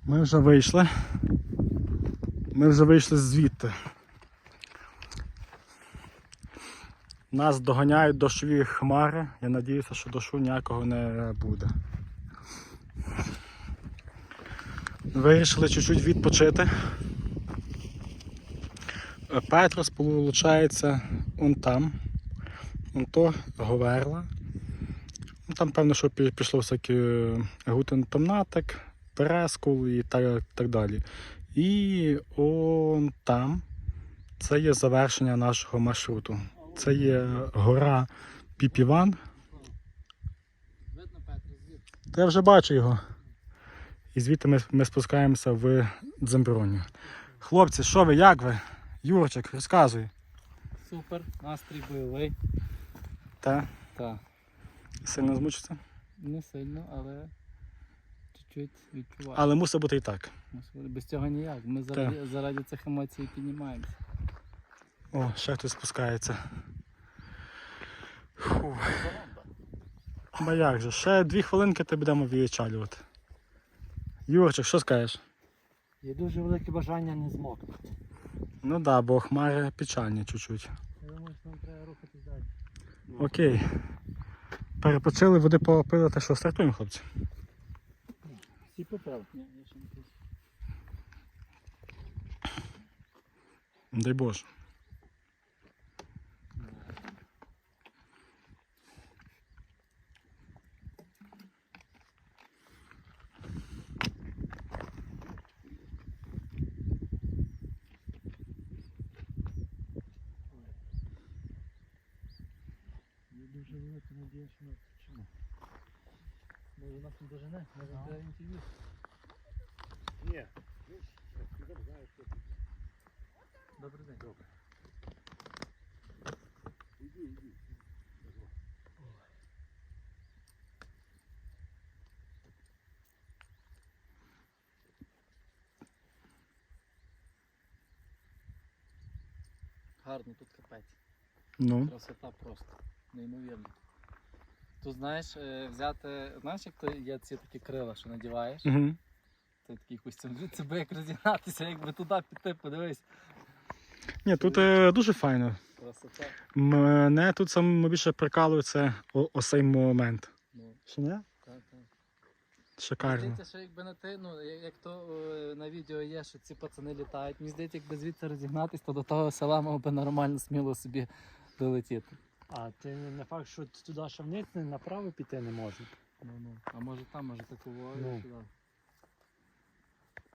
Ми вже вийшли звідти. Нас доганяють дощові хмари. Я сподіваюся, що дощу ніякого не буде. Вирішили чуть-чуть відпочити. Петрос, виходить, он там. Он то Говерла. Там, певно, що пішло всякі гутентомнатик, Терескул і так далі. І он там, це є завершення нашого маршруту. Це є гора Піпіван. Та я вже бачу його. І звідти ми спускаємося в Дземброню. Хлопці, що ви, як ви? Юрчик, розказуй. Супер, настрій бойовий. Так? Так. Сильно змучиться? Не сильно, але чуть-чуть відчуваю. Але мусить бути і так. Без цього ніяк. Ми заради цих емоцій піднімаємося. О, ще хтось спускається. Фу. Ба як же, ще 2 хвилинки та будемо відчалювати. Юрчик, що скажеш? Є дуже велике бажання не змокнути. Ну так, да, бо хмари печальні чуть-чуть. Я думаю, що нам треба рухатись далі. Окей. Перепочили, води попили, та що, стартуємо, хлопці? Всі попали. Дай Боже. Є дуже велика надія, що ми вчимо. Може нас не дожене? Може треба інтерв'ю? Ні. Добрий день. Добре. Іди. Гарно, тут капець. Ну. Красота просто. Неймовірно. Тут, знаєш, взяти, знаєш, як то є ці такі крила, що надіваєш? Угу. Це такий костюм. Це би як розігнатися, якби туди піти, подивись. Ні, тут дуже файно. Красота. Мене тут саме більше прикалує це цей момент. Ну, Що не? так. Шикарно. Здається, що якби на ти, ну, як то на відео є, що ці пацани літають. Мені здається, якби звідси розігнатись, то до того села мав би нормально, сміло собі долетіти. А ти не факт, що туди ще вниз направо піти не можна. Ну. А може там, може такого Ну. сюди.